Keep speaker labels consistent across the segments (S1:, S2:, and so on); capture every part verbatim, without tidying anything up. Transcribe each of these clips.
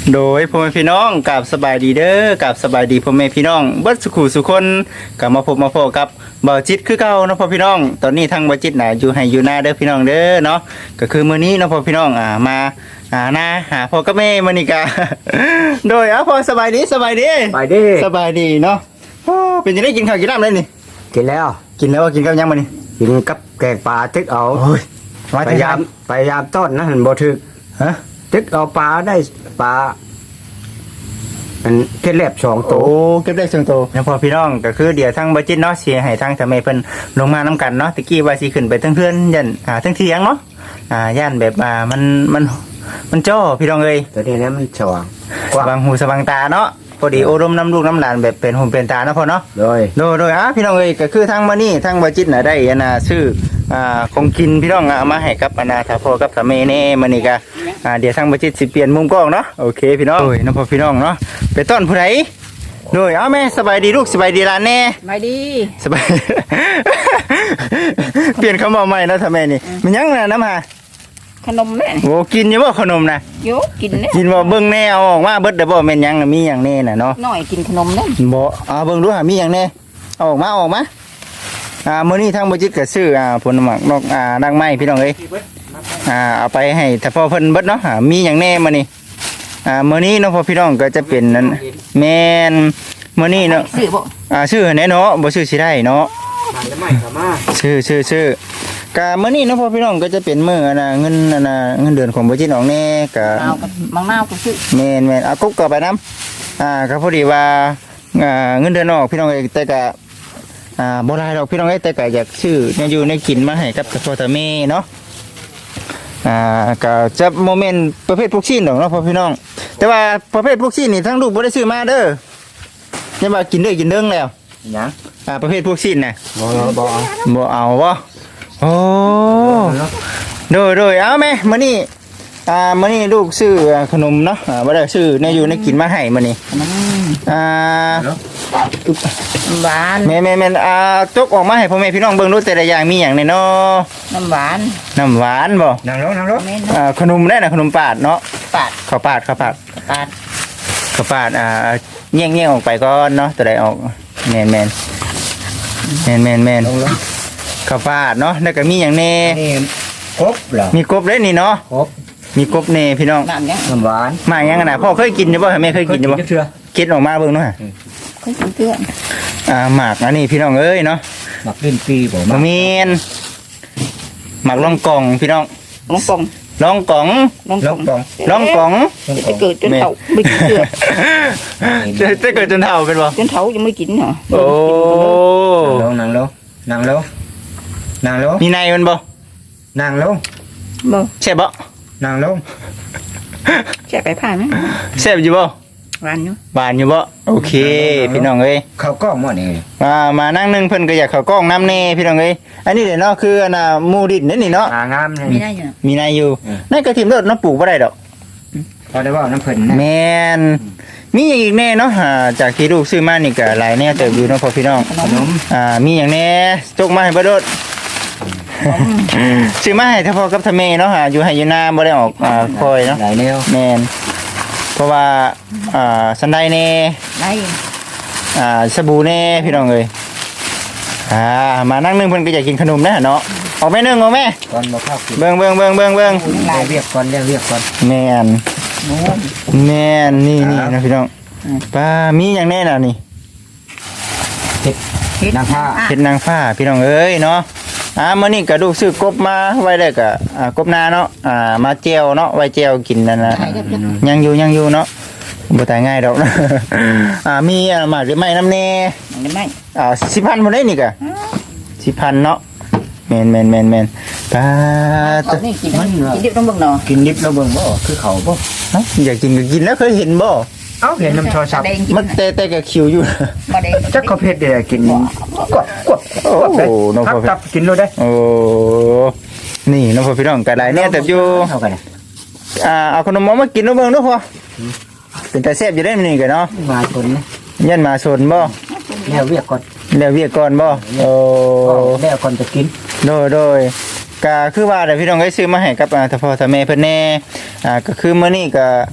S1: โดยพ่อแม่พี่น้องกับสบายดีเด้อกับสบายดีพ่อแม่พี่น้องเบิดสุขุสุคนกลับมาพบมาพบกับบ่าวจิตคือเก่าเนาะพ่อพี่น้องตอนนี้ทางบ่าวจิตน่ะอยู่ให้อยู่หน้าเด้อพี่น้องเด้อเนาะก็คือมื้อนี้เนาะพ่อพี่น้องอ่ามาหาหน้าหาพ่อกับแม่มื้อนี้ก็ โดยอ่ะพ่อสบายดีสบายดี
S2: ไปดิ
S1: สบายดีเนาะโอ้เป็นจังได๋กินข้าวกินน้ำเลยนี่
S2: กินแล้ว
S1: กินแล้วกินกับหยังมื้อนี้
S2: กินกับแกงปลาตึกเอา
S1: โอ้ย
S2: พยายามพยายามต้นนะหันบ่ถึก
S1: ฮะ
S2: ตึกเอาปลาได้ปลาอันเทศแลบสอง
S1: โอ้
S2: ตัว
S1: เก็บได้เชิงโตนะพ่อพี่น้องก็คือเดี๋ยวทางบ่าวจิตเนาะสิให้ทางทำไมเพิ่นลงมานํกันเนาะตะกี้ว่าสิขึ้นไปเทั้งเพื่อนยันอ่าเทั้งเที่ยงเนาะอ่าย่านแบบอ่ามันมันมันจ้อพี่น้องเอ้ย
S2: ตัวนี้นะมันสว่างก
S1: ส
S2: ว้าง
S1: ว่างหูสว่างตาเนาะพอดีโอรมน้ำลูกน้ำหลานแบบเป็นหูเป็นตาเนาะพ่อเนาะ
S2: โดย
S1: โดยโดยอ่ะพี่น้องเอ้ยก็คือทางมานี่ทางบ่จิตน่ะได้อันน่ะชื่ออ่าของกินพี่น้องอ่ะเอามาให้กับอันน่ะถ้าพ่อกับถ้าแม่แน่มื้อนี้ก็อ่าเดี๋ยวทางบ่จิตสิเปลี่ยนมุมกล้องเนาะโอเคพี่น้องโอ้ยน้องพ่อพี่น้องเนาะไปต้อนผู้ใดโดยเอาแม่สบายดีลูกสบายดีหลานแน่
S3: ไม่ดี
S1: สบาย เปลี่ยนคำบอกใหม่แล้วทำไมนี่มันยังนะน้ำหา
S3: ขนมเนี่ย
S1: โอ้กินอยู่บ่ขนมนะ
S3: โยกินเนี่ย
S1: กินบ่เบิ่งแน่เอาออกมาเบิดเด้อบ่แม่นหยังน่ะมีหยังแน่น่ะเนาะ
S3: หน่อยกินขนมเนี่ย
S1: บ่เอาเบิ่งดูหามีหยังแน่เอาออกมาเอาออกมาอ่ามื้อนี้ทางบ่จิตก็ซื้ออ่าผลหมากนอกอ่าดังไม้พี่น้องเอ้ยอ่าเอาไปให้ถ้าพ่อเพิ่นเบิดเนาะหามีหยังแน่มื้อนี้อ่ามื้อนี้เนาะพ่อพี่น้องก็จะเป็นนั่นแม่นมื้อนี้เนาะ
S3: ซื้อบ่
S1: อ่าชื่อแน่เนาะบ่ชื่อสิได้เนาะ
S2: มันจะไม่เข้ามา
S1: ชื่อชื่อชื่อกะมื้อนี้เนาะพ่อพี่น้องก็จะเป็นมื้ออันน่ะเงินอันน่ะเงินเดือนของบ่จิตน้องแน่กะ
S3: เอากับมังนาวก็ซื้อ
S1: แม่นแม่นเอากุ๊กก็ไปนํอ่าก็พอดีว่าอ่าเงินเดือนออกพี่น้องเอ้ยแต่กะอ่าบ่หลายดอกพี่น้องเอ้ยแต่กะอยากซื้อเนี่ยอยู่ในกินมาให้กับพ่อตาแม่เนาะอ่าก็จะโมเมนต์ประเภทพวกชิ้นดอกเนาะพ่อพี่น้อง แต่ว่าประเภทพวกชิ้นนี่ทั้งลูกบ่ได้ซื้อมาเด้อยังว่ากินเด้อกินเด้งแล้ว
S2: หยัง
S1: อ่าประเภทพวกชิ้นน่ะ
S2: บ่บ่เอา
S1: บ่เอาบ่โอ้โดยโดยเอาแม่มื้อนี้อ่ามื้อนี้ลูกซื้อขนมเนาะอ่าบ่ได้ซื้อในอยู่ในกินมาให้มื้อนี้
S3: ขนม
S1: อ่า
S3: หวาน
S1: แม่แม่แม่อ่าจกออกมาให้พ่อแม่พี่น้องเบิ่งดูแต่ละอย่างมีหยังแน่เนาะ
S3: น้ำหวาน
S1: น้ำหวานบ่
S2: นั่งลงนั่งลง
S3: เม่น
S1: อ่าขนมได้น่ะขนมปาดเนาะ
S3: ปาด
S1: ข้าวปาดข้าวปาด
S3: ปาด
S1: ข้าวปาดอ่าแย่งๆออกไปก่อนเนาะตัวใดออกแม่นแม่นแม่นแม่นแม่น
S2: ลงลง
S1: ข้าวปาดเนาะแล้วก็มีหยังแน่
S2: นี่ครบเหรอ
S1: มีกบเด้นี่เนาะ
S2: ครบ
S1: มีกบแน่พี่น้อง
S3: น้ำยัง
S2: น้ำหวาน
S1: มาหยังกันน่ะพ่อเคยกินอยู่บ่แม่เคยกินอยู่บ่
S2: เชื่อ
S1: คิดออกมาเบิ่งเนาะ
S3: เคยกินเกลือ
S1: อ่าหมากอันนี้พี่น้องเอ้ยเนาะ
S2: หมักลิ้นปีบ่
S1: บ่
S2: มา
S1: แม่นหมากล่องกล่องพี่น้อง
S3: ลงปอง
S1: ล่องกล่อง
S3: ลง
S2: ล
S3: ปอง
S2: งปอง
S1: ล่องกล่อง
S3: จะเกิดจนเฒ่าไม่กินเกลือ
S1: จะจะเกิดจนเฒ่าเป็นบ่
S3: จนเฒ่ายังไม่กินเหรอ
S1: โอ้
S2: ลงนั่งลงนั่งลงนั่งลง
S1: มีในมันบ่
S2: นั่งลง
S3: บ่
S1: ใช่บ่
S2: นั่งลง
S3: แช่ไปผ่านไหม
S1: แซ่บอยู่บ่
S3: หวานอยู่
S1: หวานอยู่บ่โอเค พี่น้องเอ้ย
S2: เขาก็หมดนี่
S1: มามานั่งหนึงเพิ่นก็อยากเข้ากล้องน้ำแน่พี่น้องเอ้ยอันนี้เด้เนาะคืออันน่ะหมูดินนี่นี่เนาะ
S2: งางามเลย
S3: ไม่ได้อยู่
S1: มีในอยู่
S2: อืม
S1: ในกระถิ่นรถเนาะปลูกบ่ได้ดอก
S2: พอได้ว่าน้ำเพิ่นนะ
S1: แม่นมีอย่างอีกแน่เนาะอ่าจากที่ลูกซื้อมานี่ก็หลายแน่เติบอยู่เนาะพ่อพี่น้อง
S2: ขนม
S1: อ่ามีอย่างแน่จกมาให้บ่โดดซื้อมาให้ถ้าพ่อกับทาแม่เนาะอ่าอยู่ให้อยู่หน้าบ่ได้ออกอ่าคอยเนาะ
S2: หลายแนว
S1: แม่นเพราะว่าอ่าสันไดแน่
S3: ได้
S1: อ่าสบู่แน่พี่น้องเอ้ยอ่ามานั่งนึงเพิ่นก็อยากกินขนมนะเนาะออกแม่นึงออกแม่
S2: ก่อนบ่เข้ากิน
S1: เบิ่งเบิ่งเบิ่งเบิ่งเบิ่ง
S2: เรียกเรียกก่อนเรียกเรียกก่อน
S1: แม่น
S3: โน้ม
S1: แม่นนี่นี่
S2: ครับ
S1: นะพี่น้องป้ามีอย่างแน่น่ะนี่
S2: เฮ็ด
S3: เฮ็ด
S2: นางผ้า
S1: เฮ็ดนางฟ้าพี่น้องเอ้ยเนาะอ่ามื้อนี้ก็ลูกซื้อกบมาไว้ได้ก็อ่ากบนาเนาะอ่ามาแจ่วเนาะไว้แจ่วกินนั่นน่ะ
S3: ใช่ครับ
S1: ยังอยู่ยังอยู่เนาะบ่ตายง่ายดอกนะ อ่ามีอ่าหมากหรือไม้น้ำแน่
S3: ไม่ไม่
S1: อ่าสิบพันบ่ได้นี่ก็สิบพันเนาะแม่นแม่นแม่นแม่นป้า
S3: เอา
S1: ตะ
S3: นี่กินกินเดี๋ยวต้องเบิ่งหน่อ
S2: กินดิบแล้วเบิ่งบ่คือเขาบ่
S1: เอ้าอยากกินก็กินแล้วเคยเห็นบ่
S2: เอ้าเห็นน้ำโทรศัพท์
S3: แดงกิน
S1: มันแต่แต่ก็คิวอยู่
S3: มาแดง
S2: จักเขาเพชรเด้กินกดกด
S1: โอ้
S2: กดเลย
S1: น้อง
S2: ทั
S1: พ่
S2: บ
S1: อเพชร
S2: ทับกินเลยได้
S1: โอ้นี่น้องพ่อพี่น้องก็ได้แน่แต่อยู่
S2: เท่ากัน
S1: อ่าเอาขนมหม้อมากินเนาะเบิ่งเนาะพ่อเป็นตาแซ่บอยู่ได้มื้อนี้ก็เนาะ
S2: มาชนนะ
S1: ยันมาชนบ่
S2: แล้วเรียกก่อน
S1: แล้วเวียกก่อนบ่โอ้
S2: แล้วก่อนจะกิน
S1: โดยโดยก็คือว่าเดี๋ยวพี่น้องได้ซื้อมาให้กับอ่าถ้าพ่อถ้าแม่เพิ่นแน่อ่าก็คือมื้อนี้ก็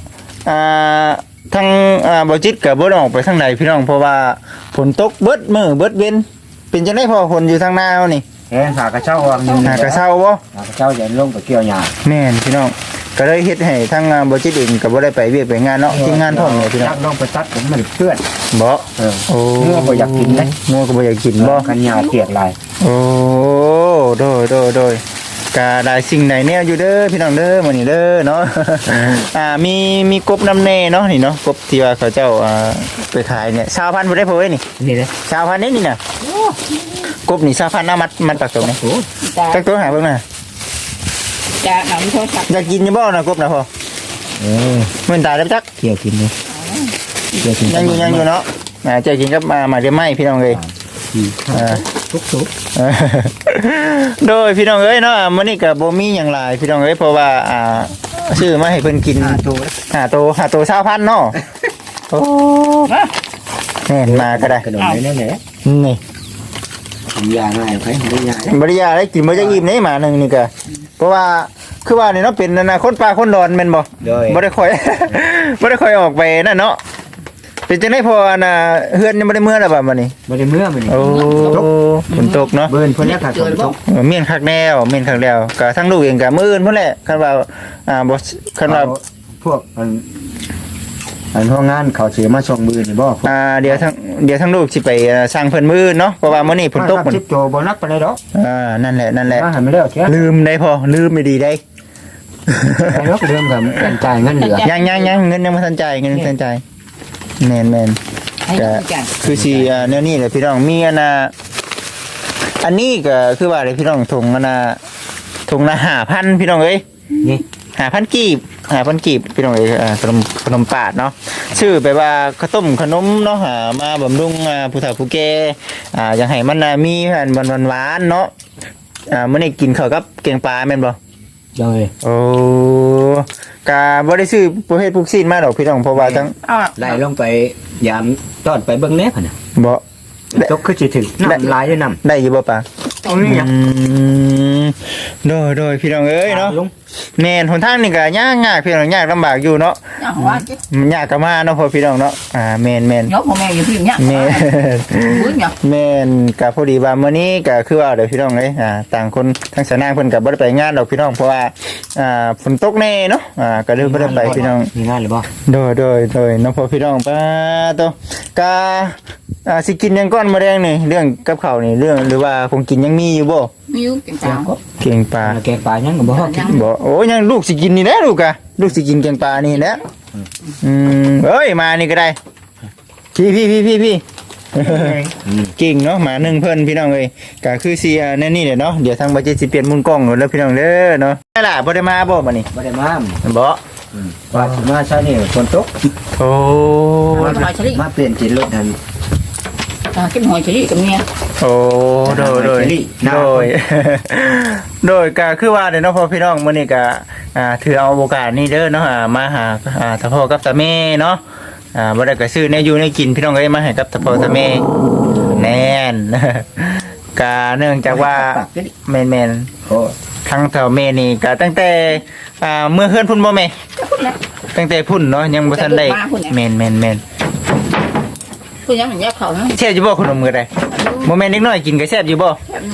S1: อ่าทางอ่าบ่จิตก็บ่ได้ออกไปทางใดพี่น้องเพราะว่าฝนตกเบิดมื้อเบิดเว้นเป็นจังได๋พอฝนอยู่ทางหน้าเฮานี่
S2: แห้งหากระเช้าวางอยู่
S1: หากระเช้าบ่
S2: หากระเช้าอย่าลงไปเกี่ยวหญ้า
S1: แม่นพี่น้องก็เลยเฮ็ดให้ทางอ่าบ่จิตเองก็บ่ได้ไปเวียกไปงานเนาะทีมงานพร้อมเลยพี่น้อง
S2: จักลงไปตัดผมมันเปื้อน
S1: บ่
S2: เออ
S1: โอ้
S2: เนื้อบ่อยากกินนะ
S1: งัวก็บ่อยากกินบ่
S2: กันหญ้าเปียกหลาย
S1: โอ้โดยโดยโดยกาได้สิ่งไหนแนวอยู่เด้อพี่น้องเด้อมื้อนี้เด้อเนาะ อ่ามีมีกบน้ำแน่เนาะนี่เนาะกบที่ว่าเขาเจ้าอ่าไปขายเนี่ยชาวพันธุ์บ่ได้พอเว้ยนี่
S2: นี่เลย
S1: ชาวพันธุ์นี่นี่น่ะกบนี่ชาวพันธุ์น้ามัดมันปักตรงนี้
S2: โอ้
S3: จ้า
S1: จักตัวหาเบิ่งน่ะ
S3: จ้าหนังโทรศัพท์
S1: อยากกินอยู่บ่น่ะกบน่ะพ่อ
S2: เออ
S1: มื้อตายแล้วจัก
S2: เกี่ยวกินเลยเกี่ยวกิน
S1: ยังอยู่ยังอยู่เนาะอ่าเจะกินกับมามาเดี๋ยวไหม้พี่น้องเอ้ยอ่า
S2: ทุกทุก
S1: เออ โดยพี่น้องเอ้ยเนาะมื้อนี้ก็บ่มีหยังหลายพี่น้องเอ้ยเพราะว่าอ่าซื้อมาให้เพิ่นกิน
S2: หาตัว
S1: หาโตหาโตชาวพันธุ์เนาะโอ้แม่นมาก็ได้
S2: กระโดดเลยแหละ
S1: นี่
S2: ทำยาง่ายใครทำได้ยา
S1: บริยาได้กินบ่จะอิ่มได้หมาหนึ่งนี่ก็เพราะว่าคือว่านี่เนาะเป็นอนาคตปลาคนดอนแม่นบ่
S2: โดย
S1: บ่ได้ค่อย บ่ได้ค่อยออกไปนั่นเนาะเป็นจังได๋พออันน่ะเฮือนยังบ่ได้เมื่อแล้วบัดนี้
S2: ไม่ได้เมื่อมัน
S1: โอ้ฝนตกเนาะ
S2: เบิร์นคนแรกขาดฝนตก
S1: เออเมียนคักแล้วเมียนคักแล้วก็ทั้งลูกเองก็มื้ออื่นพุ่นแหละคันว่าอ่าบ่คันว่า
S2: พวกอันอันห้องงานเขาเสียมาส่งมือนี่บ่
S1: อ่าเดี๋ยวทั้งเดี๋ยวทั้งลูกสิไปอ่าสร้างเพิ่นมื้ออื่นเนาะเพราะว่ามื้อนี้ฝนตก
S2: มันชิปโจบ่นักปานใดดอก
S1: อ่านั่นแหละนั่นแหละ
S2: มาหันไม่ได้เชีย
S1: ลืมได้พอลืมไม่ดีได้
S2: ไอ้นกเริ่มกับจ่ายเงินเหลือ
S1: ยังยังยังเงินยังไม่ทันจ่ายเงินยังไม่ทันจ่ายแมนแมน
S3: ให้ดูกัน
S1: คือสีอ่าแนวนี้แหละพี่น้องมีอันน่ะอันนี้ก็คือว่าเลยพี่น้องถุงอันน่ะถุงละห้าพันพี่น้องเอ้ย
S2: นี่
S1: ห้าพันกีบห้าพันกีบพี่น้องเอ้ยอ่าขนมขนมปาดเนาะชื่อไปว่าข้าวต้มขนมเนาะหามาบำรุงอ่าผู้เฒ่าผู้แก่อ่าอยากให้มันน่ะมีอันหวานหวานๆเนาะอ่ามื้อนี้กินข้าวกับแกงปลาแม่นบ่
S2: จังเลย
S1: โอ้กาบ่ได้ซื้อประเภทพวกซีนมาดอกพี่น้องเพราะว่าทั้ง
S3: อ้าว
S2: ไล่ลงไปยามตอนไปเบิ่งแน่พุ่นน่ะ
S1: บ่
S2: ตกคือสิถึงน้ำลายด้วยน้ำ
S1: ได้อยู่บ่ปะ
S2: ตรงนี้
S1: อืมโดยโดยพี่น้องเอ้ยเนาะ
S2: ลุง
S1: แม่นหนทางนี่ก็ยากยากพี่น้องยากลำบากอยู่เนาะ
S3: อย่างว่าจิ
S1: มันยากก็มาเนาะพอพี่น้องเนาะอ่าแม่นแม่น
S3: ยกพ่อแม่อยู่ที่เนี้ย
S1: แม่น
S3: บุญเนาะ
S1: แม่นก็พอดีว่ามื้อนี้ก็คือว่าเดี๋ยวพี่น้องเอ้ยอ่าต่างคนทั้งสนางเพิ่นก็บ่ได้ไปงานดอกพี่น้องเพราะว่าอ่าฝนตกแน่เนาะอ่าก็เลยบ่ได้ไปพี่น้อง
S2: มีงานหรือบ่
S1: โดยโดยโดยน้องพ่อพี่น้องป้าโตกาอ่าสิกินหยังก้อนมาแดงนี่เรื่องกับข้าวนี่เรื่องหรือว่าคงกินยังมีอยู่บ่
S3: มีอยู่กิน
S2: เจ้า
S3: ตาม
S2: ก็
S1: เก่งปลา
S2: แกงปลายังก็บ่ฮอดกิน
S1: บ่โอ้ยังลูกสิกินนี่แหละลูกอะลูกสิกินแกงปลานี่แหละอืมเอ้ยมานี่ก็ได้พี่พี่พี่พี่พี่ เก่งเนาะหมาหนึ่งเพิ่นพี่น้องเอ้ยก็คือสิอ่าแน่นี่แหละเนาะเดี๋ยวทางบัดเจ็ตสิเปลี่ยนมุมกล้องแล้วพี่น้องเด้อเนาะได้ล่ะบ่ได้มาบ่บัดนี้
S2: บ่ได้มา
S1: บ่
S2: ว่าสิมาซะนี่ฝนตก
S1: โอ้
S2: มาเปลี่ยนจิตรถทัน
S3: อ่ากินหอยเฉลี่ยกับเมีย
S1: โอ้โดยโดย โดย โดยก็คือว่าเดี๋ยวเนาะพ่อพี่น้องมื้อนี้ก็อ่าถือเอาโอกาสนี้เด้อเนาะอ่ามาหาอ่าตาพ่อกับตาแม่เนาะอ่าบ่ได้ก็ซื้อแนวอยู่ในกินพี่น้องเอ้ยมาให้กับตาพ่อตาแม่แน่น ก็เนื่องจากว่าแม่น
S2: โอ้
S1: ๆทั้งเฒ่าแม่นี่ก็ตั้งแต่อ่าเมื่อเฮือนพุ่นบ่แม่ตั้งแต่พุ่นเนาะยังบ่ทันได้แม่นแม่นแม่น
S3: คุณยังมันแยกเขานะ
S1: แซ่บอยู่บ่ขนมมื้อใดบ่แม่นเด็กน้อยกินก็แซ่บอยู่บ่
S3: แอบอยู่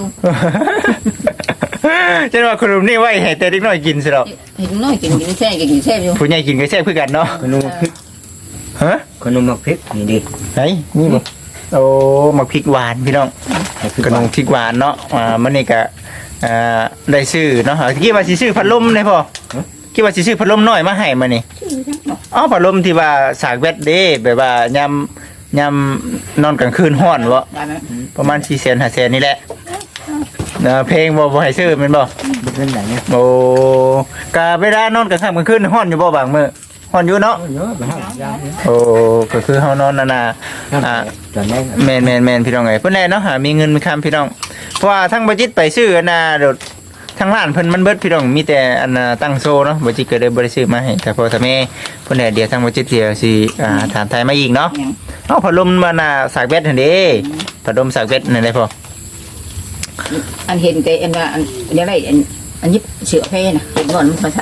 S1: ฉันว่าขนมนี่ไว้ให้แต่เด็กน้อยกินสิหรอก
S3: เห็นน้อยกินกินแช่กินแช่อยู่
S1: ผู้ใหญ่กินก็แซ่บคือกันเนาะ
S2: ขนมพริก
S1: ฮะ
S2: ขนมพริกนี่ดิ
S1: ไหนนี่บ่โอ้หมักพริกหวานพี่น้องขนมพริกหวานเนาะอ่ามันนี่ก็อ่าได้ซื้อเนาะคิดว่าสิซื้อพัดลมได้พ่อคิดว่าสิซื้อพัดลมน้อยมาให้มานี่อ๋อพัดลมที่ว่าสากแบตเด้แบบว่ายามยามนอนกลางคืนร้อนบ่
S3: ได้ไหม
S1: ประมาณสี่แสนห้าแสนนี่แหละเออเพลงบ่บ่ให้ซื้อแม่นบ่
S2: บ่เป็นไหนเนี่ย
S1: โอ้กะเวลานอนกลางค่ำกลางคืนฮ้อนอยู่บ่บางมื้อฮ้อนอยู่เนาะ
S2: เยอะไปฮะยา
S1: โอ้ก็คือเฮานอนนั่นน่ะอ่า
S2: ตอนนี้
S1: แม่นแม่นแม่นพี่น้องเอ้ยเพิ่นแน่เนาะหามีเงินมีคำพี่น้องเพราะว่าทั้งบัจิตไปซื้ออันน่ะโดดทั้งร้านเพิ่นมันเบิดพี่น้องมีแต่อันน่ะตั้งโซเนาะบัจิตก็เลยบ่ได้ซื้อมาให้แต่พอถ้าแม่เพิ่นแน่เดี๋ยวทั้งบัจิตเดี๋ยวสิอ่าถามไทยมาอีกเนาะ
S3: ยัง
S1: เอ้าพัดลมมันน่ะสากเบ็ดหั่นเด้พัดลมสากเบ็ดนั่นได้พอ
S3: อันเห็นแต่อันว่าอันยังไงอันอันยิบเสือเพนะเห็นก่อนมันโทรศัพท์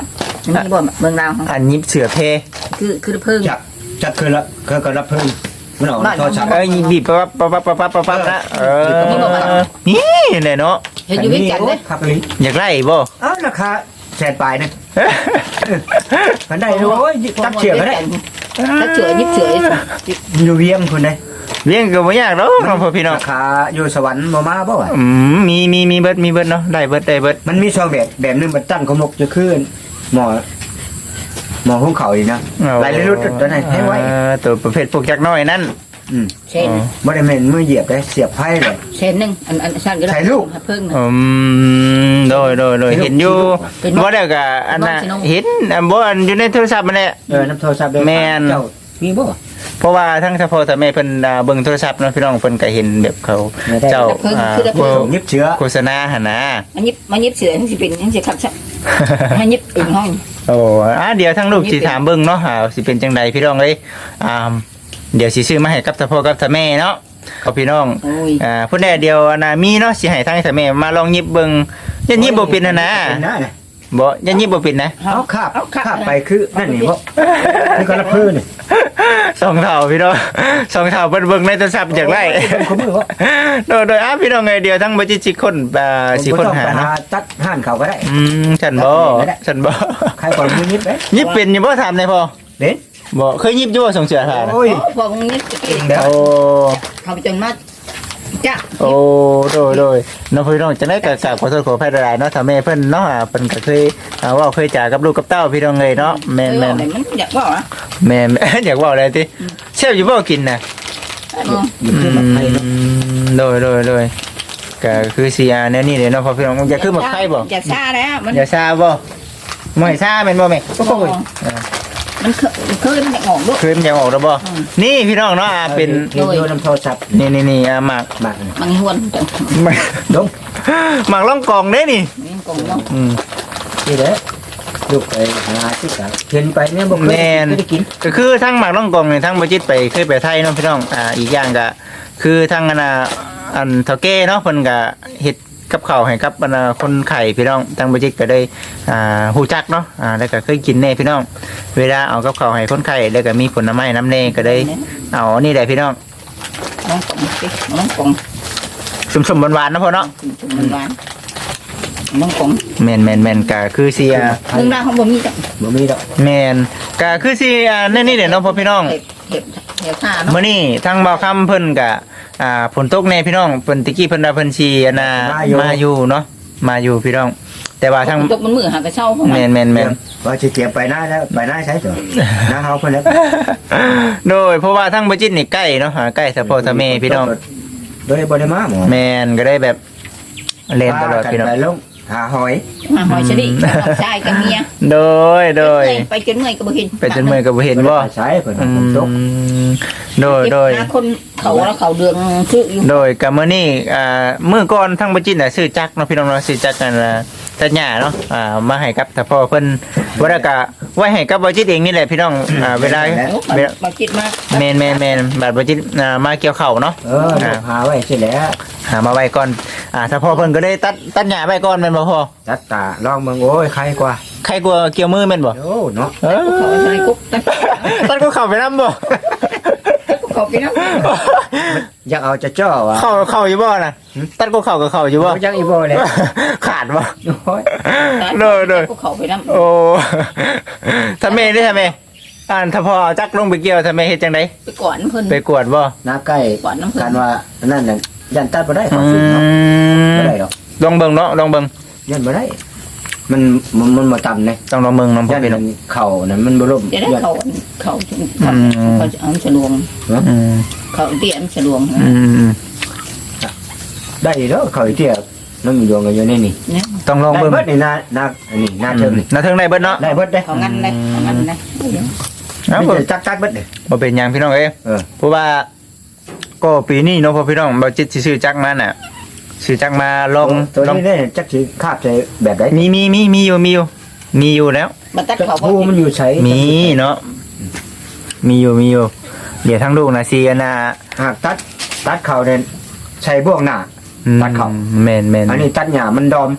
S3: มีบ่เมืองลาว
S1: อันยิบเสือเพ
S3: คือคือเพิ่ง
S2: จับจับคืนละคือก็รับเพิ่มมันออกโทรศัพท์
S1: เอ้ยบีบปั๊บปั๊บปั๊บปั๊บปั๊บปั๊บนะเออนี่เลยเนาะ
S3: เห็นอยู่ด้วยกันเด้
S2: ครับลิ
S1: อยากไล่บ่
S2: อ้าวราคาแสนปลายนะมันได้โอ้ยจับเชือกก็ได้
S3: ถ้าเฉื่อยยิบเฉื่อย
S2: อยู่เวียงคุณได้
S1: เลี้ยงก็บ่ยากดอกน้องพ่อพี่น้อง
S2: ราคาอยู่สวรรค์บ่มาบ่วะ
S1: อืมมีมีมีเบิดมีเบิดเนาะได้เบิดได้เบิด
S2: มันมีสองแบบแบบหนึงมันตั้งกมกจะขึ้นหมอหมอของเขาอีกนะหลายรุ่นตัวไหนให้ไว้
S1: เออตัวประเภทพวกจักน้อยนั่น
S2: อืม
S3: เช่น
S2: บ่ได้แม่นมือเหยียบได้เสียบไพ่เลย
S3: เช่นนึงอันอันสั่นก็เพิ่ง
S1: อืมโดยโดยโดยเห็นอยู่บ่ได้ก็อันน่ะเห็นอันบ่อันอยู่ในโทรศัพท์มันแหละ
S2: เออน้ำโทรศัพท์ได้
S1: แม่น
S2: เจ้ามีบ่
S1: เพราะว่าทั้งเฉพาะแต่แม่เพิ่นอ่าเบิ่งโทรศัพท์เนาะพี่น้องเพิ่นก็เห็นแบบเขาเจ้าอ่า
S2: ยิบเชื้อ
S1: โฆษณาหั่นนะ
S3: มันยิบมันยิบเฉื่อยมันสิเป็นมันสิขับซะมันยิบอึ่งห้อง
S1: โอ้อ่ะเดี๋ยวทั้งลูกสิถามเบิ่งเนาะอ่าสิเป็นจังใดพี่น้องเอ้ยอ่าเดี๋ยวสิซื้อมาให้กับเฉพาะกับแต่แม่เนาะเขาพี่น้อง
S3: โอ้ย
S1: อ่าพุ่นแดเดียวอันน่ะมีเนาะสิให้ทั้งแต่แม่มาลองหยิบเบิ่งยันหยิบบ่เป็นนะนะ
S2: เป็นนะเนี่ย
S1: บ่ยันหยิบบ่เป็นนะ
S2: เอาคาบคาบไปคือนั่นนี่บ่นี่ก็รับเพิ่นนี่
S1: สองเท่าพี่น้องสองเท่าเบิ่งเบิ่งในโทรศัพท์จากไร
S2: เขามือบ่
S1: โดยโดยอ่ะพี่น้องไงเดียวทั้งบ่จิตสิคนอ่าสิคนหาเนาะ
S2: ตัดห่านเขาก็ได้
S1: อืมฉันบ่ฉันบ่
S2: ใครก่อนมือยิบเด้
S1: หยิบเป็นอยู่บ่ถามได้พอ
S2: เด้
S1: บ่เคยหยิบอยู่บ่ส่งเสือหานะ
S2: โอ้ย
S3: พอมึงยิบเก่ง
S1: โอ้
S3: เขาไปจนมาจ้ะ
S1: โอ้โดยโดยน้องพี่น้องจังได๋ก็กราบขอโทษขออภัยหลายๆเนาะถ้าแม่เพิ่นเนาะอ่าเพิ่นก็เคยอ่าเว้าเคยจากับลูกกับเต้าพี่น้องเอ้ยเนาะแม่น
S3: เอ
S1: แม่
S3: อน มันอยากว่าอ่ะ
S1: แม่น อยากเว้าอะไรติแซ่บอยู่บ่กินน่ะ
S2: ยิบขึ้นมาไพ่เนาะ
S1: โดยโดยโดยก็คือสิอ่าแนวนี้เด้เนาะพอพี่น้องอยากขึ้นมาไผบ่
S3: อยากซ่าแล้วมัน
S1: อย่าซาบ่ไม่ซาแม่นบ่แม่
S3: โอ้ยมันเคยเคยมันออกลูก
S1: คืนยังออกแล้วบ่
S3: อืม
S1: นี่พี่น้องเนาะอ่าเป็น
S2: เดี๋ยวน้ำโทรศัพท์
S1: นี่นี่นี่อ่าหมาก
S2: มาก
S3: มันหวนจัง
S2: ลง
S1: หมากล่องกองเด้นี่
S3: นี่กงเนาะ
S1: อืม
S2: นี่เด้ลูกไปหาที่กะเห็นไปเนี่ยบ่เคย
S1: แม่น
S2: ได้กิน
S1: ก็คือทั้งหมากล่องกองนี่ทั้งบ่จิตไปเคยไปไทยเนาะพี่น้องอ่าอีกอย่างก็คือทั้งอันน่ะอันเฒ่าแก่เนาะเพิ่นก็เฮ็ดกับข้าวให้กับอันน่ะคนไข้พี่น้องทั้งบ่จิตก็ได้อ่าฮู้จักเนาะอ่าแล้วก็เคยกินแน่พี่น้อง เวลาเอากับข้าวให้คนไข้แล้วก็มีผลไม้น้ำแน่ก็ได้เอานี่แหละพี่น้อง
S3: น้องกงสิน้องกง
S1: สมๆหวานๆเนาะพ่อเนาะ
S3: มันหวานน้องกง
S1: แม่นแม่นแม่นก็คือสิอ่า
S3: เรื่องราวของบ่มีจัง
S2: บ่มีดอก
S1: แม่นก็คือสิอ่าแนี่นี่เด้เนาะพ่อพี่น้อง
S3: เห็บเห็บเห็บผ้าเนาะ
S1: มื้อนี้ทางบ่าวคำเพิ่นก็อ่าฝนตกแน่พี่น้องเพิ่นตะกี้เพิ่นว่าเพิ่นสิอันน่ะมาอยู่เนาะมาอยู่พี่น้อง แต่ว่าทาง
S3: ตกมันมือหากระเช้าของมัน
S1: แม่นแม่นแม่น
S2: ว่าสิเตรียมไปหน้าแล้วไปหน้าใช้ตัวหน้าเฮาเพิ่นแล้ว
S1: โดยเพราะว่าทางบ่จิตนี่ใกล้เนาะหาใกล้สะโพกสะเมพี่น้อง
S2: โดยบ่ได้มาหมอ
S1: แม่นก็ได้แบบเล่นตลอดพี่น้อง
S2: ไปลงหาหอย
S3: หาหอยเฉลี่น้องชายกับเมีย
S1: โดยโดย
S3: ไปจนเมื่อยก็บ่เห็น
S1: ไปจนเมื่อยก็บ่เห็นบ่
S2: ใช้เพิ่น
S1: อื
S2: ฝนตก
S1: มโดยโดย
S3: หาคนเขาแล้วเขาเดืองซื้ออยู่
S1: โดยกับมื้อนี้อ่ามื้อก่อนทั้งบ่จิตน่ะซื้อจักรเนาะพี่น้องเนาะซื้อจักรกันน่ะตัดหญ้าเนาะอ่ามาให้กับถ้าพ่อเพิ่นบ่ได้ก็ไว้ให้กับบ่จิตเองนี่แหละพี่น้องอ่าเวลาเวลา
S3: มาคิดมา
S1: แม่นแม่นแม่นบาดบ่จิตอ่ามาเกี่ยวข้าวเนาะ
S2: เออหาไว้สิแล้ว
S1: หามาไว้ก่อนอ่าถ้าพ่อเพิ่นก็ได้ตัดตัดหญ้าไว้ก่อนแม่นบ่พ่อ
S2: จัดตาลองเบิ่งโอ้ยใครกว่า
S1: ใครกลัวเกี่ยวมือแม่นบ่
S2: โอ้เนาะ
S1: เออ
S3: เขาใส่กุ๊กตัด
S1: ตัดก็เข้าไปนำบ่
S3: เขาไปนะ
S2: อยากเอาจะจ้อวะ
S1: เข้าเข้าอยู่บ่น่ะตัดก็เข้าก็เข้าอยู่บ่
S2: บ่จังอีบ่เลย
S1: ขาดบ่
S2: โอ้ย
S1: โดยโดย
S3: เขาไปนะ
S1: โอ้ทำเมได้ทำเมอ่านถ้าพอเอาจักลงไปเกี่ยวทำเมเฮ็ดจังได
S3: ไปก่อนเพิ่น
S1: ไปกวดบ่
S2: น้าใกล้
S3: ก่อนน้ำเพิ่
S2: กัน นว่านั่นน่ะยันตัดบ่ได้เขา
S1: อื
S2: ฝึกเนาะบ่
S1: ม
S2: ได้ดอก
S1: ลองเบิ่งเนาะลองเบิ่ง
S2: ยันบ่ได้ มันมันมันบ่ต่ำเลย
S1: ต้องลองเบิ่งน้องพ่
S2: ยั
S1: อน พี่น้อง
S2: เข่านั่นมันบ่ล่ม
S3: จะได้
S2: ยัน
S3: เขาเขาเขาเขาจะเอาฉลวง
S1: อืม
S3: เขาเตี้ยมฉลวง
S1: อืม
S2: ได้เด้อเข่าอีเตี้ยน้องอยู่ดวงกันอยู่ในนี่
S3: เนี่ย
S1: ต้องลอง
S2: ได้
S1: เบิ่ง
S2: เบิดนี่นานาอันนี้นาเทิงนี่
S1: น่าเทิงได้เบิดเนาะ
S2: ได้เบิดได้
S3: เขางั้นเลยเขางั้นเลย
S1: เอ้า
S2: มี
S1: บ่
S2: แต่จักจักเบิดเด้
S1: บ่เป็นหยังพี่น้องเอ้ย
S2: เออ
S1: เพราะว่าก็ปีนี้เนาะพ่อพี่น้องบ่จิตสิซื้อจักมาน่ะซื้อจักมาลอง
S2: ตัว
S1: ลอง
S2: นี้เนี่ยจักสิคาบใส่แบบใด
S1: มีมีมีมีอยู่มีอยู่มีอยู่แล้ว
S3: มาตัดเขา
S2: ผู้มันอยู่ใช้
S1: มีเนาะมีอยู่มีอยู่เดี๋ยวทั้งลูกนะซีอันน่ะ
S2: หากตัดตัดเข่าเนี่ยใช้บ่วงหน้า ตัดเข้า
S1: แม่นแม่น
S2: อันนี้ตัดหญ้ามันดอม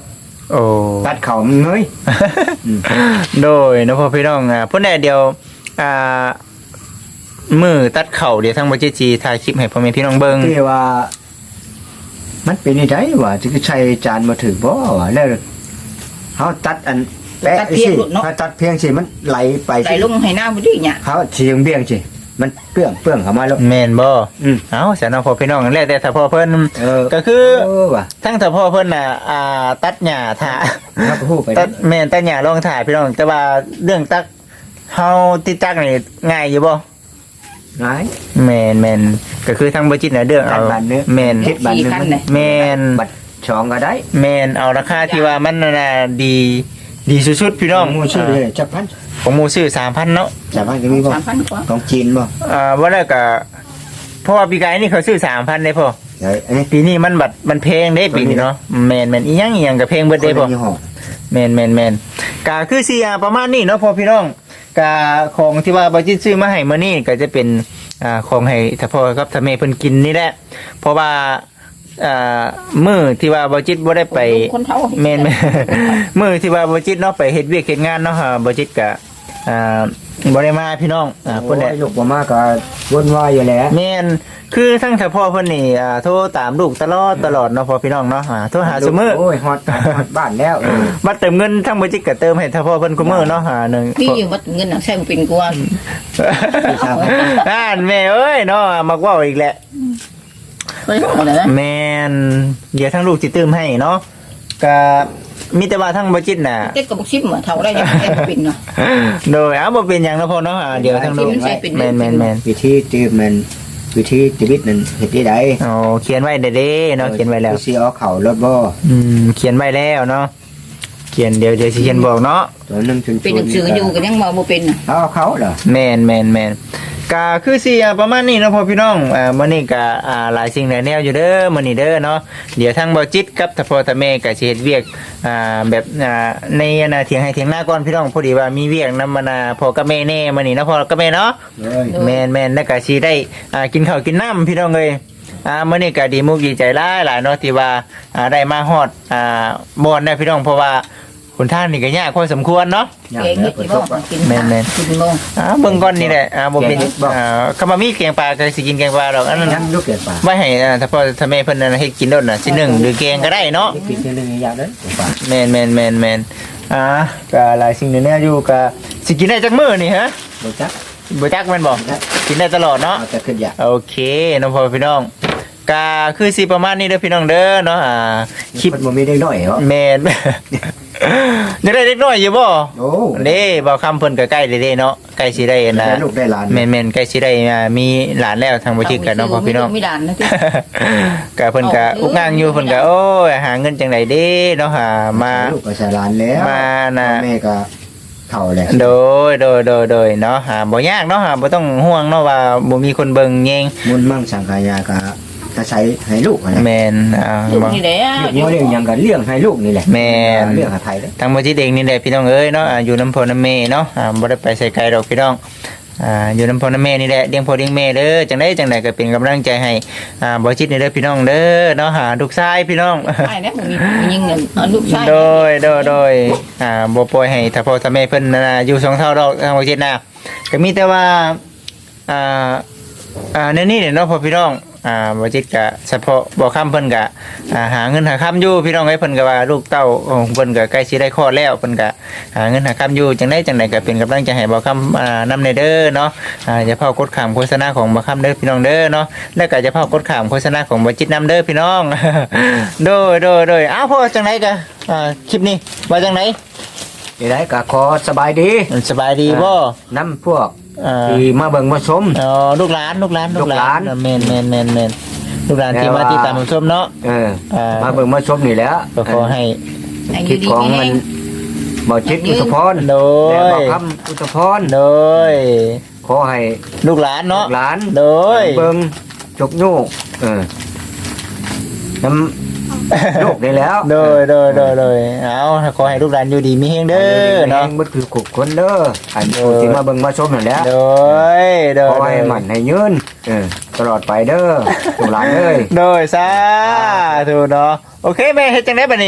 S1: โอ้
S2: ตัดเข่ามันเงย
S1: โดยเนาะพ่อพี่น้องอ่ะพุ่นแน่เดียวอ่ามือตัดเข่าเดี๋ยวทางบ่จิจีถ่ายคลิปให้พ่อแม่พี่น้องเบิ่ง
S2: ที่ว่า มันเป็นยังไงวะที่ใช้จานมาถึงบ่วะแล้วเขาตัดอันแปะสิเขาตัดเพียงสิมันไหลไป
S3: ไหล
S2: สิ
S3: ลงให้หน้าบ่ดีเนี่ย
S2: เขาเสียงเบี้ยงสิมันเปื้องเปื้องเข้ามาแล้ว
S1: แม่นบ่
S2: อืม
S1: เอ้าเสียน้องพ่อพี่น้องแล้วแต่ถ้าพ่อเพิ่น
S2: เออ
S1: ก็คือ
S2: เออว่ะ
S1: ทั้งถ้าพ่อเพิ่นน่ะอ่าตัดหญ้าถ่า
S2: เขาก็พูดไป
S1: ตัดแม่นตัดหญ้าลงถ่ายพี่น้องแต่ว่าเรื่องตักเฮาติดตักนี่ง่ายอยู่บ่
S2: ง่าย
S1: แม่นแม่นก็คือทางบ่จิตน่ะเด้อ
S2: ตั
S1: เอา
S2: ดบันเนื้อ
S1: แม่น
S2: เฮ็ดบันเนื้อมัน
S1: แม่น
S2: บัดช่องก็ได้
S1: แม่นเอาราคาที่ว่ามันน่ะดีดีสุดๆพี่น้อง
S2: มูชื่อเลยจับพัน
S1: ของหมูซื้อสามพันเนาะ
S2: จับพันจะมีบ่
S3: สามพันกว่า
S2: ของจีนบ่
S1: อ่าว่าแล้วก็เพราะว่าปีกายนี่เขาซื้อสามพันได้พอ
S2: เดี๋ยวอันนี้
S1: ปีนี้มันบัดมันเพลงได้ปีนี้เนาะแมนแมนอีหยังอีหยังกับเพลงเบิดได้พอ
S2: คนละยี่ห้อ
S1: แมนแมนแมนกาคือซีอาประมาณนี้เนาะพอพี่น้องกาของที่ว่าบาจิตซื้อมาให้มื้อนี้ก็จะเป็นอ่าของให้ถ้าพ่อกับถ้าแม่เพิ่นกินนี่แหละเพราะว่าอ่ามื้อที่ว่าบาจิตบ่ได้ไป
S3: คนเฒ่า
S1: แม่นแม่น มื้อที่ว่าบาจิตเนาะไปเฮ็ดเวียกเฮ็ดงานเนาะฮะบาจิตก็อ่าบ่ได้มาพี่น้องอ่า
S2: อ่า
S1: เพิ่นได้
S2: ลูกบ่มาก็วนวายอยู่แล้ว
S1: แม่นคือทั้งถ้าพ่อเพิ่นนี่อ่าโทรตามลูกตลอดตลอดเนาะพ่อพี่น้องเนาะอ่าโทรหาซุมื้อ
S2: โอ้ยฮอดฮอดบ้านแล้วเออ
S1: บัดเติมเงินทั้งบ่จิตก็เติมให้ถ้าพ่อเพิ่นคุมื้อเนาะหาหนึง
S3: มีอยู่ว่าเงินน่ะใช้บ่เป็นกว่า
S1: อ่านแม่เอ้ยเนาะมักเว้าอีกแหละ
S3: เฮ้ยเอาแล้วนะ
S1: แม่นเดี๋ยวทั้งลูกสิเติมให้เนาะก็มีแต่ว่าทั้งบ่จิตน่ะ
S3: เต็กกับบ่ชิมเหมือนเฒ่าได้ยังใช้บ่เป็นเนาะ
S1: โดยเอาบ่เป็นหยังเนาะพ่อเนาะอ่าเดี๋ยวทั้งลูก
S3: มันใช้เป็น
S1: แม่นแม่นแม่น
S2: วิธีที่มันวิธีชีวิตนั้นเฮ็ดได้ได
S1: อ๋อเขียนไว้เด้เด้เนาะเขียนไว้แล้ว
S2: สิเอาเข้ารถบ่
S1: อืมเขียนไว้แล้วเนาะเขียนเดี๋ยวเดี๋ยวสิเขียนบอกเนาะ
S2: ตัวหนึงชุน
S3: เป็นหนังสืออยู่ก็ยังมาบ่เป็นน่ะ
S2: เอาเขาเหรอ
S1: แมนแมนแมนก็คือสิอ่าประมาณนี้เนาะพ่อพี่น้องอ่ามื้อนี้ก็อ่าหลายสิ่งหลายแนวอยู่เด้อมื้อนี้เด้อเนาะเดี๋ยวทางบ่จิตกับทพ่อทแม่ก็สิเฮ็ดเวียกอ่าแบบอ่าในอนาเถียงให้เถียงหน้าก่อนพี่น้องพอดีว่ามีเวียกนำมานาพ่อกับแม่แน่มื้อนี้เนาะพ่อกับแม่เนาะ
S2: เลย
S1: แม่นแม่นแล้วก็สิได้อ่ากินข้าวกินน้ำพี่น้องเอ้ยอ่ามื้อนี้ก็ดีมุกดีใจหลายหลายเนาะที่ว่าอ่าได้มาฮอดอ่าบ่อนได้พี่น้องเพราะว่าคนท่านนี่ก็ยากพอสมควรเนาะ
S2: อย่าง
S3: เอง
S2: นี้
S3: เฮ็ด
S2: เปิ
S3: สิ
S2: ด
S3: บ่
S2: บ่
S3: กิน
S1: แม่นๆ
S3: กินโมง
S1: อ่าเบิ่งก่อนนี่แหละอ่าบ่เป็น
S2: แกงเห็ดบ่
S1: อ่าคำว่ามีแกงปลาก็สิกินแกงปลาดอกอันนั้น
S2: ยังลูกเกิดป่า
S1: ไว้ให้อ่าถ้าพ่อถ้าแม่เพิ่นนั่นให้กินโดดน่ะสิหนึ่งหรือแกงก็ได้เนาะ
S2: กินเท่านึงอย่างนั้นป่า
S1: แม่นแม่นแม่นแม่นอ่าก็หลายสิ่งแน่อยู่ก็สิกินได้จักมื้อนี่ฮะ
S2: บ่จัก
S1: บ่จักแม่นบ่กินได้ตลอดเนาะ
S2: เอาแต่ขึ้นอยาก
S1: โอเคน้องพ่อพี่น้องก็คือสิประมาณนี้เด้อพี่น้องเด้อเนาะอ่าคลิป
S2: มันบ่มีได้น้อยเหรอ
S1: แม่น ยังได้เล็กน้อยอยู่บ่
S2: โอ้
S1: เด้บ่คำเพิ่นก็ใกล้เด้ๆเนาะใกล้สิได้นะ
S2: ได้ลูกได้หลาน
S1: แม่นๆใกล้สิได้อ่ามีหลานแล้วทางบ่จิตกันเนาะพ่อพี่น้อง
S3: มีด่านนะที่
S1: ก็เพิ่นก็อุกงางอยู่เพิ่นก็โอ้ยหาเงินจังไดเด้เนาะหามา
S2: ลูกก็ใส่หลานแล้ว
S1: มาน่ะ
S2: แม่ก็เฒ่าแล้ว
S1: โดยโดยโดยโดยเนาะหาบ่ยากเนาะหาบ่ต้องห่วงเนาะว่าบ่มีคนเบิ่งแยง
S2: มุนมั่งสังขายาก็จะใช้ให้ลูกนะ
S1: แม่นอ่า
S3: ลูก
S1: บ่
S3: นี่แหละ
S2: เลี้ยงเลี้ยงหยังก็เลี้ยงให้ลูกนี่แหละ
S1: แม่น
S2: เลี้ยงให้ไผเด้อ
S1: ทางบ่จิตเองนี่แหละพี่น้องเอ้ยเนาะอ่าอยู่น้ำพ่อน้ำแม่เนาะอ่าบ่ได้ไปใส่ไกลดอกพี่น้องอ่าอยู่น้ำพ่อน้ำแม่นี่แหละเลี้ยงพ่อเลี้ยงแม่เด้อจังไดจังไดก็เป็นกำลังใจให้อ่าบ่จิตนี่เด้อพี่น้องเด้อเนาะหาลูกชายพี่น้อง
S3: ใช่นะผมมีมียิงเงินเอาลูกชาย
S1: โดยโดยโดยอ่าบ่ปล่อยให้ถ้าพ่อถ้าแม่เพิ่นน่ะอยู่สองเท่าดอกทางบ่จิตนะก็มีแต่ว่าอ่าอ่าในนี้เนี่ยเนาะพ่อพี่น้องอ่าบ่จิตก็เฉพาะบ่ค้ำเพิ่นก็อ่าหาเงินหาค้ำอยู่พี่น้องเอ้ยเพิ่นก็ว่าลูกเต้าของเพิ่นก็ใกล้สิได้คลอดแล้วเพิ่นก็หาเงินหาค้ำอยู่จังไดจังไดก็เป็นกำลังใจให้บ่ค้ำอ่านำในเด้อเนาะอ่าอย่าเผากดข้ามโฆษณาของบ่ค้ำเด้อพี่น้องเด้อเนาะแล้วก็อย่าเผากดข้ามโฆษณาของบ่จิตนำเด้อพี่น้อง โดยโดยโดยอ้าวพ่อจังไดก็อ่าคลิปนี้ว่าจังได
S2: นี่ได้ก็ขอสบายดี
S1: สบายดีบ่
S2: น้ำพวก
S1: อ่า
S2: ที่มาเบิ่งมาชม
S1: อ๋อลูกหลานลูกหลาน
S2: ลูกหลาน
S1: แม่นแม่นแม่นแม่นลูกหลานที่มาที่ตามผู้ชมเนาะ
S2: เออ
S1: อ่า
S2: มาเบิ่งมาชมนี่แหล้ว
S1: ก็ขอให้
S3: ให้
S2: คลิป
S3: ดี
S2: ของ
S3: ๆ
S2: มัน
S3: แห้ง
S2: บ่จิตอุตพร
S1: โด
S2: และ
S1: ย
S2: บ่คำอุตพร
S1: โดย
S2: ขอให้
S1: ลูกหลาน
S2: ลู
S1: เนาะ
S2: กหลาน
S1: โดย
S2: เบิ่งจกโยกเออน้ำโยกได้แล้ว
S1: โดยโดยโดยโดยเอาขอให้ลูกหลานอยู่ดีมีเฮงเด้อเนาะ
S2: เบ่คือขุกคนเด้ออันผู้ที่มาเบิ่งมาชมนั่นแหละ
S1: โดยโดย
S2: ขอให้มันให้ยืนเออตลอดไปเด้อลูกหลานเอ้ย
S1: โดยสาธุเนาะโอเคแม่เฮ็ดจังได๋บัดนี้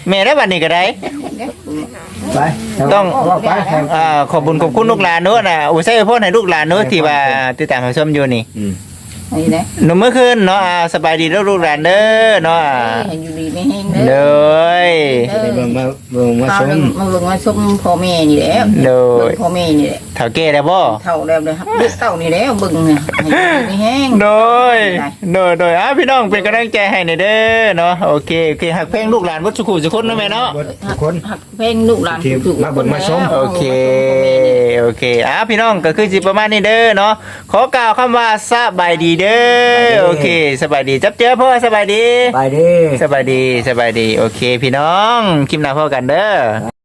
S1: แม่ได้บัดนี้ก็ได้
S2: ไป
S1: ต้อง
S2: ว่าไปแข่ง
S1: อ่าขอบคุญขอบคุณลูกหลานเนู้นน่ะอุยใส่พ่อให้ลูกหลานเนู้นที่ว่าติดตามรับชมอยู่นี่
S2: อืม
S3: นี่นะ
S1: หนุ่มเมื่อคืนเนาะอ่าสบายดีแล้วลูกหลานเด้อเนาะอ่า
S3: ให้อยู่ดีไม่แห้ง
S1: เล
S3: เด้อย
S2: เดี๋ยวมาเบิ่งมา
S3: ข้าว
S2: ชม
S3: มาเบิ่งมาชมพ่อแม่นี่แหละ
S1: เล
S3: เบิ่
S1: ย
S3: งพ่อแม่นี่แหละ
S1: เฒ่าแก่แล้วบ่
S3: เท่าแล้วเลยครับลูกเต้านี่แหละเบิ่งเนี่ยให้อยู่ดีไม่แห้ง
S1: โดยโดยโดยอ่ะพี่น้องเป็นกำลังใจให้หน่อยเด้อเนาะโอเคโอเคหักเพลงลูกหลานวัดสุขุสุคนนะแม่เนาะ
S2: ทุกคน
S3: หักเพลงลูกหลาน
S2: ที่มาเบิ่งมาชม
S1: โอเคโอเคอ่ะพี่น้องก็คือสิประมาณนี้เด้อเนาะขอกล่าวคำว่าสบายดีเด้อโอเคสบายดีจับเจอพ่อสบายดี
S2: ไปดิ
S1: สบายดีสบายดีโอเคพี่น้องคลิปหน้าพ่อกันเด้อ